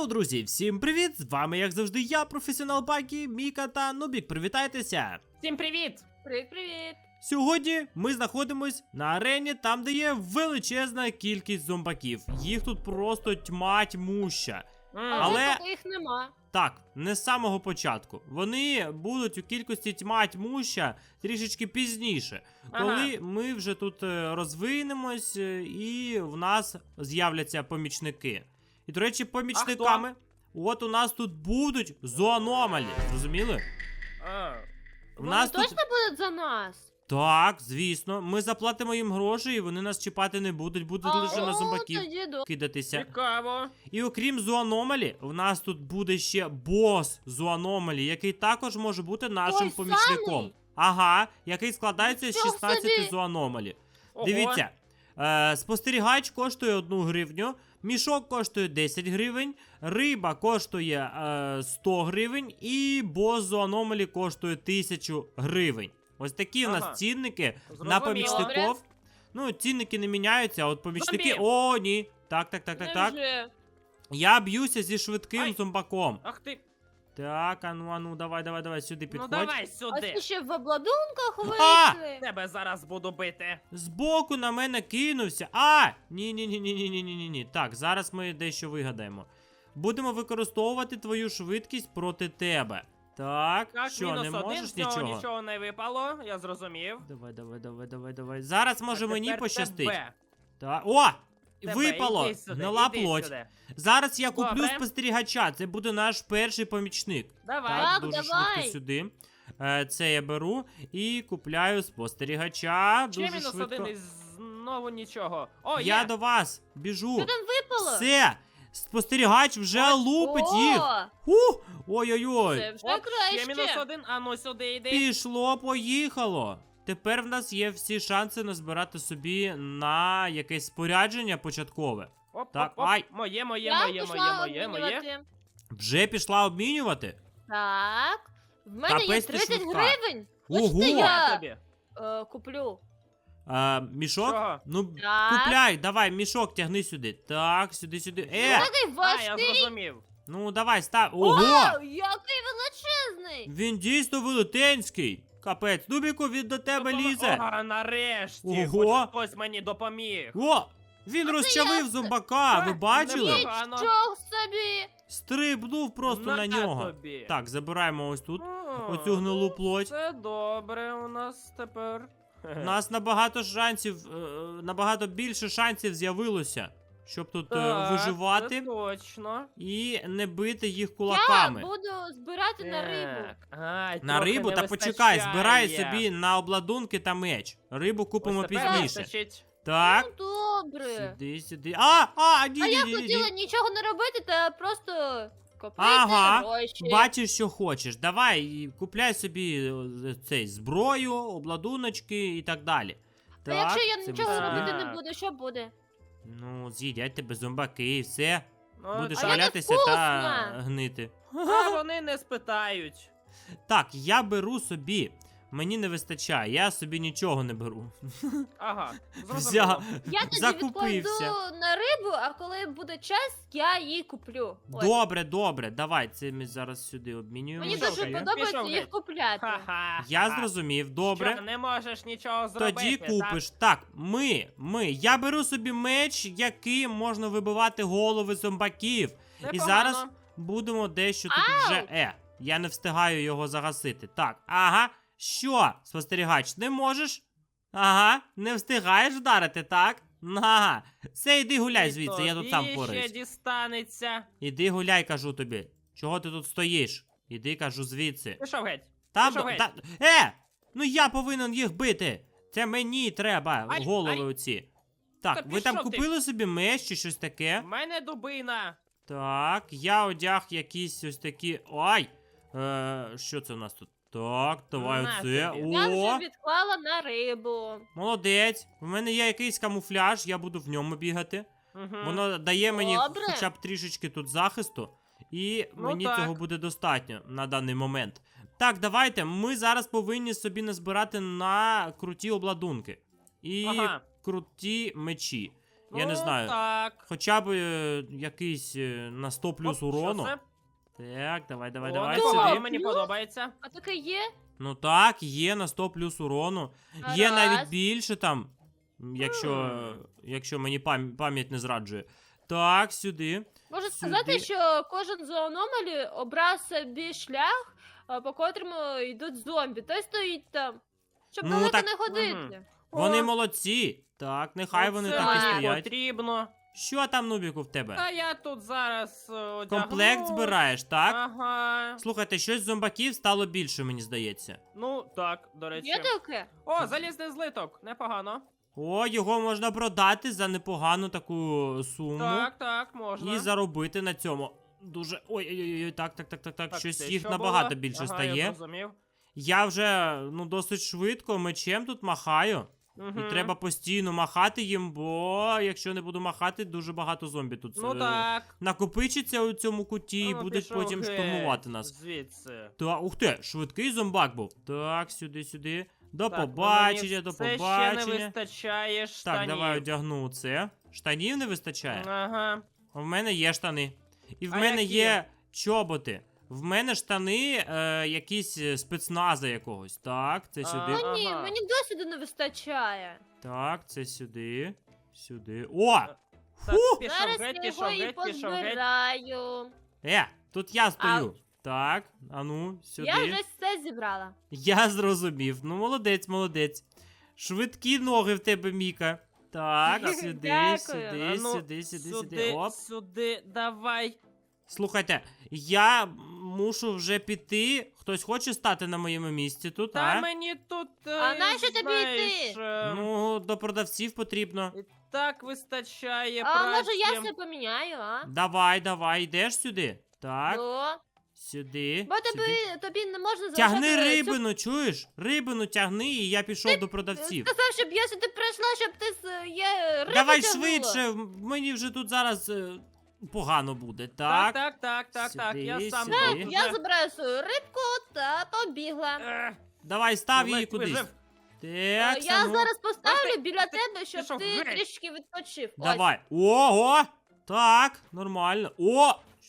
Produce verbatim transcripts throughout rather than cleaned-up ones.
Йоу, друзі, всім привіт! З вами, як завжди, я, професіонал Бакі, Міка та Нубік. Привітайтеся! Всім привіт! Привіт-привіт! Сьогодні ми знаходимось на арені, там, де є величезна кількість зомбаків. Їх тут просто тьма тьмуща. Але, Але- поки їх нема. Так, не з самого початку. Вони будуть у кількості тьма тьмуща трішечки пізніше, коли Ага. ми вже тут е, розвинемось е, і в нас з'являться помічники. І, до речі, помічниками, от у нас тут будуть зоономалі. Зрозуміли? А, У Вони нас точно тут... будуть за нас? Так, звісно. Ми заплатимо їм гроші, і вони нас чіпати не будуть, будуть лише на зомбаків тоді до... кидатися. цікаво. І окрім зоономалі, в нас тут буде ще бос зоономалі, який також може бути нашим Той помічником. самий? Ага, який складається з Нічого шістнадцяти собі. зоономалі. Ого. Дивіться, е, спостерігач коштує одну гривню, мішок коштує десять гривень, риба коштує е, сто гривень і бос зоономалі коштує тисячу гривень. Ось такі у Ага. нас цінники на Зрозуміло. помічників. Ну, цінники не міняються, а от помічники... Зомбі. О, ні. Так, так, так, так, так. Невже? Я б'юся зі швидким Ай. зомбаком. Ах ти. Так, ану, ану, давай, давай, давай, сюди Ну підходь. давай А сюди. ти ще в обладунках А! вийшли? Тебе зараз буду бити. Збоку на мене кинувся. А! Ні, ні, ні, ні, ні, ні, ні, ні, ні. Так, зараз ми дещо вигадаємо. Будемо використовувати твою швидкість проти тебе. Так, Так, що, мінус не один, можеш з цього нічого? нічого не випало, я зрозумів. Давай, давай, давай, давай, давай. Зараз може А мені тепер пощастить. тебе. Так. О! Тебе, Випало! іди сюди, Гнила іди плоть. сюди. Зараз я куплю Добре. спостерігача. Це буде наш перший помічник. Давай. Так, Так, дуже давай. швидко сюди. Е, Це я беру і купляю спостерігача. Ще Дуже мінус швидко. один і знову нічого. О, Я є. до вас біжу. Що там випало? Все! Спостерігач вже лупить О, їх. Ух! Ой-ой-ой. Це вже Оп, ще мінус краще. один, а ну сюди йди. Пішло, поїхало. Тепер в нас є всі шанси назбирати собі на якесь спорядження початкове. Оп, Так, оп, оп. ай. Моє, моє, Я моє, пішла моє, моє, моє. обмінювати. Вже пішла обмінювати? Так. В мене є Капець ти тридцять швидка. гривень. Ого! Хочете Я я тобі. е, куплю? А, мішок? Чого? Ну, Так. купляй, давай, мішок тягни сюди. Так, сюди, сюди. Е! Такий А, я важкий. зрозумів. Ну, давай, став. Ого! О, який величезний. Він дійсно велетенський. Капець, Нубіку, він до тебе Допомо- лізе. Ага, нарешті. Ого. Хоч хтось мені допоміг. О! Він А це розчавив я- зомбака, ви Е, бачили? не Погано. Нічого собі. Стрибнув просто на нього. Тобі. Так, забираємо ось тут О, оцю гнилу плоть. Це добре у нас тепер. У нас набагато шансів, е, набагато більше шансів з'явилося, щоб тут е, Так, виживати Це точно. і не бити їх Я кулаками. буду збирати на рибу. Так, ай, На трохи рибу не та почекай, вистачає. збирай собі на обладунки та меч. Рибу купимо Ось тепер пізніше. вистачить. Так, Ну добре. сюди, сюди. А, а, ні, А ні, я ні, ні, хотіла ні. нічого не робити та просто копити Ага, гроші. Бачиш, що хочеш. Давай, і купляй собі е, цей зброю, обладуночки і так далі. А якщо я це нічого ми собі- робити не Так. буду, що буде? Ну, з'їдять тебе зомбаки і все. Ну, Будеш А я не валятися та вкусна. гнити. А вони не спитають. Так, я беру собі. Мені не вистачає, я собі нічого не беру. Ага, Взяв, зрозуміло. Я тоді закупився. відкладу на рибу, а коли буде час, я її куплю. Ось. Добре, добре, давай, це ми зараз сюди обмінюємо. Мені Пішов дуже геть, подобається пішов їх геть. купляти. Ха-ха. Я ха. зрозумів, Що, добре. не можеш нічого зробити, Тоді купиш. Так, ми, ми. Я беру собі меч, яким можна вибивати голови зомбаків. так? І Непогано. зараз будемо дещо тут вже. Е, я не встигаю його загасити. Так, ага. Що, спостерігач, не можеш? Ага, не встигаєш вдарити, так? Ага. Все, іди гуляй І звідси, я тут сам тобі пораюсь. ще дістанеться. Іди гуляй, кажу тобі. Чого ти тут стоїш? Іди, кажу, звідси. Пішов геть. Там, пішов геть. та, е! Ну я повинен їх бити. Це мені треба, Ай, голови ай. оці. Так, Та ви там пішов ти. купили собі меч чи щось таке? В мене дубина. Так, я одяг якісь ось такі. Ай! Е, що це у нас тут? Так, давай На оце. тобі. Я О! вже відклала на рибу. Молодець. У мене є якийсь камуфляж, я буду в ньому бігати. Угу. Воно дає мені Добре. хоча б трішечки тут захисту. І Ну мені так. цього буде достатньо на даний момент. Так, давайте. Ми зараз повинні собі назбирати на круті обладунки. І Ага. круті мечі. Я не Ну, знаю. Так. Хоча б е, якийсь е, на сто плюс Оп, урону. Що це? Так, давай, давай, О, давай непогано, сюди. мені Плюс? подобається. А таке є? Ну так, є на сто плюс урону. Є навіть Раз. більше там, м, якщо, якщо мені пам- пам'ять не зраджує. Так, сюди. Можу Сюди. сказати, що кожен з аномалі обрав собі шлях, а, по котрому йдуть зомбі. Той стоїть там, щоб Ну, далеко так- не ходити. Мгм. Вони О, молодці. Так, нехай вони оце так і мені стоять. потрібно. Що там, Нубіку, в тебе? Та я тут зараз е, одягну. Комплект збираєш, так? Ага. Слухайте, щось зомбаків стало більше, мені здається. Ну, так, до речі. Є таке? О, залізний злиток. Непогано. О, його можна продати за непогану таку суму. Так, так, можна. І заробити на цьому. Дуже. Ой-ой-ой, так, так, так, так, так. Так, Щось це їх що набагато було? більше ага, стає. Я зрозумів. Я вже ну досить швидко мечем тут махаю. Угу. І треба постійно махати їм, бо якщо не буду махати, дуже багато зомбі тут Ну е, так. накопичиться у цьому куті і Ну, будуть пішов потім геть штурмувати нас. Звідси. Та, ух ти, швидкий зомбак був. Так, сюди, сюди. До Так, ну, побачення, мені до все ще побачення. не вистачає штанів. Так, давай одягну це. Штанів не вистачає. Ага. В мене є штани. І в А мене які? є чоботи. В мене штани е, якісь е, спецназа якогось. Так, це А. сюди. Ну ні, Ага. мені досвіду не вистачає. Так, це сюди. Сюди. О! Так, Фу! пішов Зараз геть, я пішов його і геть, пішов геть. позбираю. Е, тут я стою. Так, ану, сюди. Я вже все зібрала. Я зрозумів. Ну, молодець, молодець. Швидкі ноги в тебе, Міка. Так, Дякую. сюди, Дякую. сюди, А ну, сюди, сюди, сюди. сюди, Оп. сюди, давай. Слухайте, я мушу вже піти. Хтось хоче стати на моєму місці тут, Та а? мені тут. А е, нащо тобі знаєш, йти? е, Ну, до продавців потрібно. і так вистачає А праці. може я все поміняю, а? Давай, давай, йдеш сюди. Так, Ну, сюди. бо сюди. тобі, тобі не можна Тягни залишати цю- рибину, чуєш? Рибину тягни, і я пішов до продавців. Сказав, щоб я сюди прийшла, щоб ти з є рибу Давай тягнула. швидше, м- мені вже тут зараз е, погано буде, Так, так? так, так, так, так. Я Сюди, сам сюди. тут Я вже. забираю свою рибку та побігла. Ех, Давай, став її ледь кудись. вижив. Так, Е, я ну, зараз поставлю Ах ти, біля тебе, щоб пішов ти геть. трішки відпочив. Ось. давай. Ого! Так, нормально. О!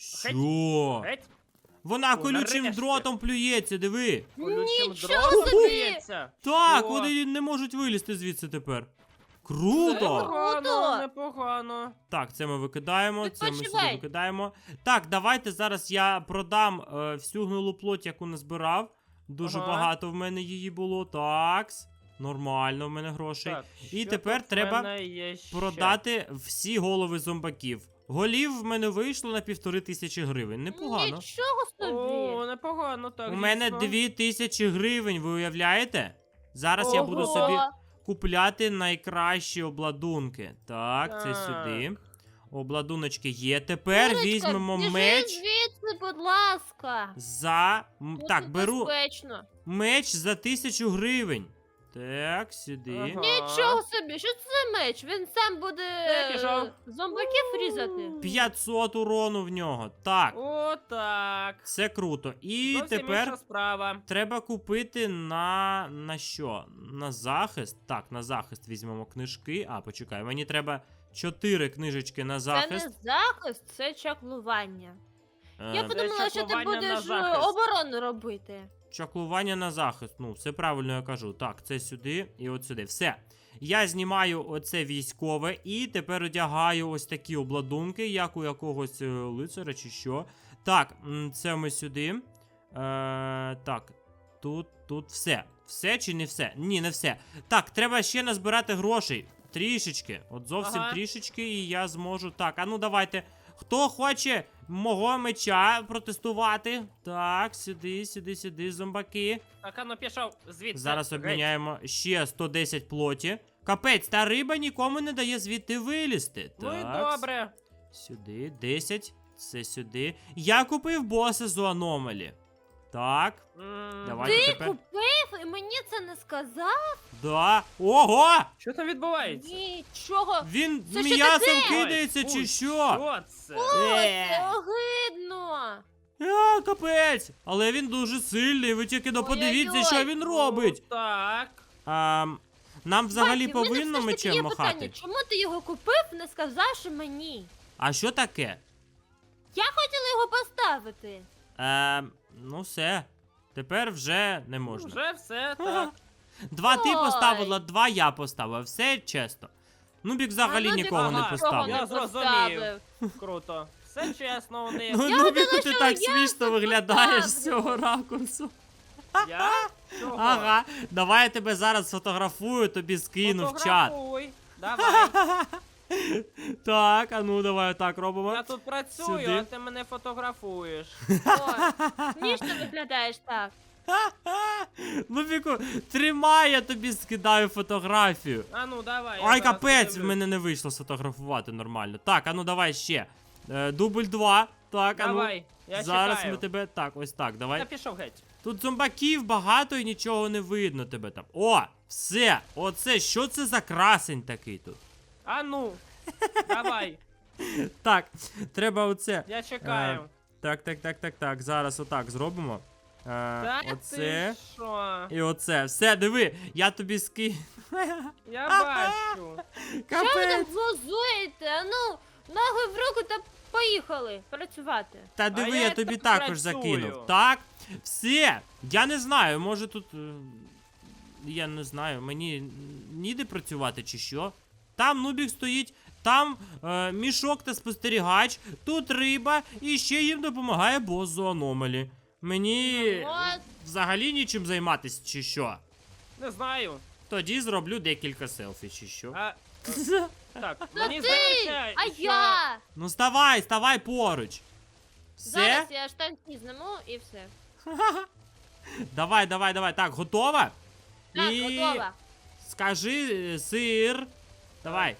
Що? Геть. Вона О, колючим нарешті. дротом плюється, диви. Колючим Нічого дротом собі! б'ється. Так, Що? вони не можуть вилізти звідси тепер. Це Круто! Непогано, Круто. непогано. Так, це ми викидаємо, це ми сюди Відпочивай. викидаємо. Так, давайте зараз я продам е, всю гнилу плоть, яку назбирав. Дуже Ага. багато в мене її було. Такс. Нормально в мене грошей. Так, І що тепер тут в треба мене є ще? Продати всі голови зомбаків. Голів в мене вийшло на півтори тисячі гривень. Непогано. Нічого собі. О, непогано, так. У мене дійсно. дві тисячі гривень, ви уявляєте? Зараз я буду Ого. собі купляти найкращі обладунки. Так, це Так. сюди. Обладуночки є. Тепер Курочка, візьмемо біжи меч звідси, будь ласка. за. м, Тут Так, беру безпечно. меч за тисячу гривень. Так, сюди. Ага. Нічого собі, що це за меч? Він сам буде Я пішов. е, зомбаків різати. п'ятсот урону в нього. Так, О, так. це круто. І Зовсім тепер інша справа. треба купити на. на що? На захист? Так, на захист візьмемо книжки. А, почекай, мені треба чотири книжечки на Це не захист. захист, це чаклування. Я Е, подумала, що ти чаклування на будеш е, захист. оборону робити. Чаклування на захист. Ну, все правильно я кажу. Так, це сюди і от сюди. Все. Я знімаю оце військове і тепер одягаю ось такі обладунки, як у якогось е, лицаря чи що. Так, м, це ми сюди. Е, так, тут, тут все. Все чи не все? Ні, не все. Так, треба ще назбирати грошей. Трішечки. От зовсім Ага. трішечки, і я зможу. Так, а ну давайте. Хто хоче мого меча протестувати? Так, сюди, сюди, сюди, зомбаки. Так, а ну пішов звідси. Зараз Геть. обміняємо ще сто десять плоті. Капець, та риба нікому не дає звідти вилізти. Ну і Так, добре. сюди, десять. Це сюди. Я купив боса з аномалі. Так, М, давайте Ти тепер. купив і мені це не сказав? Да. Ого! Що там відбувається? Нічого. Він Це що м'ясом таке? кидається Ой, чи фу, що? Що це? О, Е. це огидно. А, капець! Але він дуже сильний, ви тільки ну, подивіться, Ой-ой-ой. що він робить. Ну, так. А, Нам взагалі Бакі, в мене повинно все ж таки мечем є махати? питання, чому ти його купив, не сказавши мені? А що таке? Я хотіла його поставити. Е, ну все. Тепер вже не можна. Вже все так. Два ти Ой. поставила, два я поставив. Все чесно. Нубік взагалі А Нубік нікого не ага, поставив. Я не зрозумів. поставив. Круто. Все чесно у них. Ну, Я Нубіку, гадала, ти що так я смішно тут виглядаєш з поставлю. цього ракурсу. Я? Чого? Ага, давай я тебе зараз сфотографую, тобі скину в чат. Фотографуй. Давай. Так, а ну давай так робимо. Я тут працюю, Сюди. а ти мене фотографуєш. Ой, смішно виглядаєш так. Нубіку, тримай, я тобі скидаю фотографію. А ну давай. я Ай, зараз капець, в подивлюсь. мене не вийшло сфотографувати нормально. Так, а ну давай ще. Е, дубль два. Так, а ну. Давай, я Зараз чекаю. ми тебе. Так, ось так, давай. Я пішов геть. Тут зомбаків багато і нічого не видно тебе там. О, все! Оце, що це за красень такий тут? А ну. Давай. Так, треба оце. Я чекаю. Е, Так, так, так, так, так. Зараз отак зробимо. Е, Та оце. ти що? І оце. Все, диви, я тобі ски. Я бачу. Що ви там Капець. глузуєте? А ну, ноги в руку та поїхали працювати. Та диви, я я тобі так також працюю. закинув. Так, все. Я не знаю, може тут. е, Я не знаю, мені ніде працювати чи що. Там Нубік стоїть, там е, мішок та спостерігач, тут риба, і ще їм допомагає бос з аномалі. Мені Ну, от. взагалі нічим займатися, чи що. Не знаю. Тоді зроблю декілька селфі, чи що. А, так, Та мені ти, здається, а що... я. Ну ставай, ставай поруч. Все? Зараз я штанці зніму і все. Давай, давай, давай. Так, готова? Так, І готова. скажи е, сир. Давай.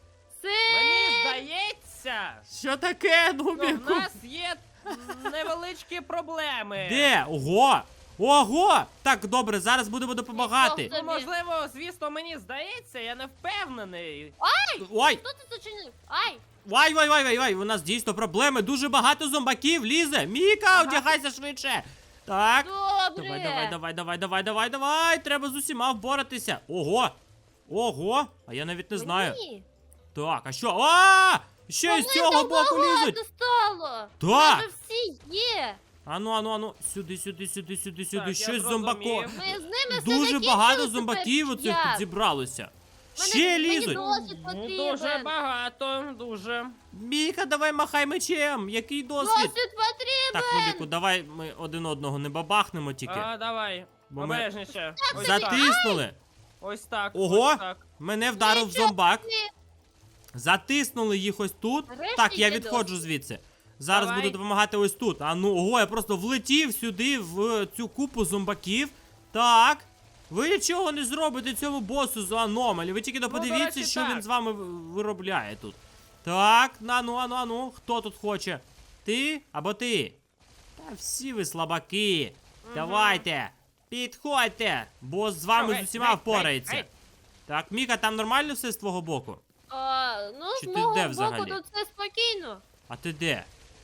Мені Сир! здається, Що таке, що Нубіку? в нас є невеличкі проблеми. Де? Ого! Ого! Так, добре, зараз будемо допомагати. Нічого Ну, можливо, звісно, мені здається, я не впевнений. Ой! Хто це зачинив? Ай! Вай, вай, вай, вай, вай, у нас дійсно проблеми. Дуже багато зомбаків лізе. Міка, Ага. одягайся швидше. Так. Добре. Давай, давай, давай, давай, давай, давай, давай. Треба з усіма вборатися. Ого! Ого! А я навіть не знаю. Мені? Так, а що? А! Ще й з Вони цього там боку багато лізуть. стало. Так. Вже всі є. Ану, ану, ану. Сюди, сюди, сюди, сюди, сюди. я Щось зрозумів. зомбако. Ми з ними все Дуже закінчили багато тепер, зомбаків оцих тут як? зібралося. Мене- Ще мені лізуть. досвід Ну, потрібен. дуже багато, дуже. Міка, давай махай мечем. Який досвід? Досвід потрібен. Так, Нубіку, давай ми один одного не бабахнемо тільки. А, давай, Бо ми обережніше. Ось так. Затиснули. Ось так. Ого. Ось так. Мене вдарив Нічого зомбак. собі. Затиснули їх ось тут. Нарешті Так, я є відходжу досвід. звідси. Зараз Давай. буду допомагати ось тут. А ну, ого, я просто влетів сюди в цю купу зомбаків. Так. Ви нічого не зробите цьому босу з аномалі. Ви тільки Ну, до подивіться, речі, що так. він з вами в- виробляє тут. Так, нану, ану, ану. Хто тут хоче? Ти або ти? Та всі ви слабаки. Давайте. Підходьте. Бос з вами Що, з усіма гей, гей, впорається. гей. Так, Міка, там нормально все з твого боку? А, ну, Чи з ти мого де боку взагалі? тут все спокійно. А ти де?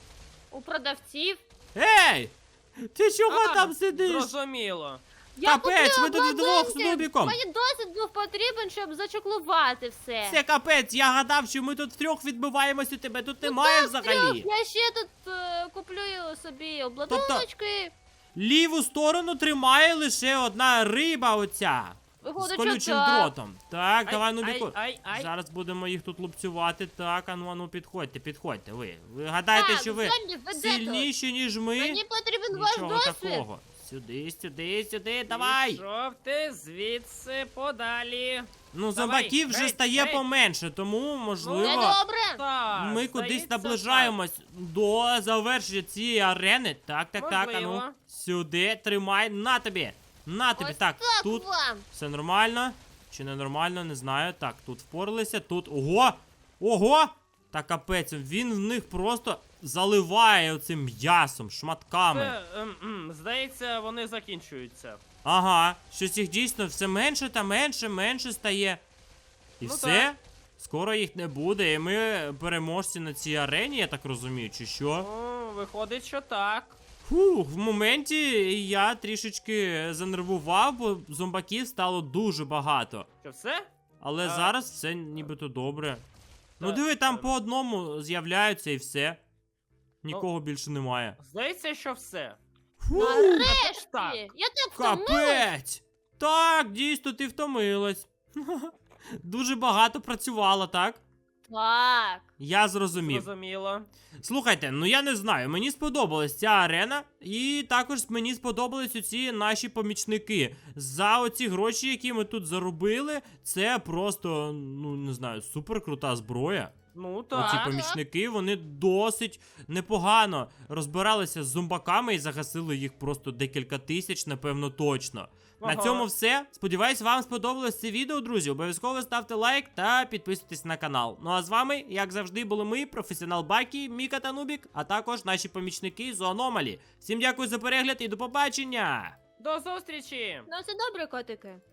У продавців. Ей! Ти чого А, там сидиш? Зрозуміло. Я Капець, купила ви тут вдвох з обладунки. Нубіком. Мені досвід був потрібен, щоб зачеклувати все. Це капець, я гадав, що ми тут втрьох відбиваємось, у тебе тут немає Трьох, взагалі. я ще тут е, куплю собі обладуночки. Ліву сторону тримає лише одна риба оця. З Виходить, що колючим так. дротом. Так, Ай, давай, Нубіку. ай, ай, ай. Зараз будемо їх тут лупцювати. Так, ану, ану, підходьте, підходьте. Ви. Ви гадаєте, Так, що ви зомбі, веде тут. сильніші, ніж ми? Мені потрібен ваш Нічого досвід. такого. Сюди, сюди, сюди, давай. Пішов ти звідси подалі. Ну, Давай, зомбаків вже гей, стає гей. поменше, тому, Це можливо, добре. Так, ми кудись здається, наближаємось до завершення цієї арени. Так, так, так, а ну. Можливо. Сюди, тримай, на тобі. На тобі, Ось так, так тут вам. все нормально. Чи не нормально, не знаю. Так, тут впоралися, тут. Ого! Ого! Та капець, він в них просто заливає оцим м'ясом, шматками. Це, ем, ем, здається, вони закінчуються. Ага, щось їх дійсно все менше та менше, менше стає. І Ну все? так. Скоро їх не буде, і ми переможці на цій арені, я так розумію, чи що? Ну, виходить, що так. Фух, в моменті я трішечки занервував, бо зомбаків стало дуже багато. Що все? Але А. зараз все нібито добре. Ну Так, диви, там ем. по одному з'являються і все. Нікого Ну, більше немає. Здається, що все. Фух, Нарешті! так. Я так втомилась. капець! Так, дійсно, ти втомилась. Дуже багато працювала, так? Так. Я зрозумів. Зрозуміло. Слухайте, ну я не знаю, мені сподобалась ця арена, і також мені сподобались оці наші помічники. За оці гроші, які ми тут заробили, це просто, ну не знаю, супер крута зброя. Ну Оці так. помічники, вони досить непогано розбиралися з зомбаками і загасили їх просто декілька тисяч, напевно, точно. Ага. На цьому все. Сподіваюсь, вам сподобалось це відео, друзі. Обов'язково ставте лайк та підписуйтесь на канал. Ну а з вами, як завжди, були ми, професіонал Бакі, Міка та Нубік, а також наші помічники з Аномалі. Всім дякую за перегляд і до побачення! До зустрічі! Ну, це добре, котики.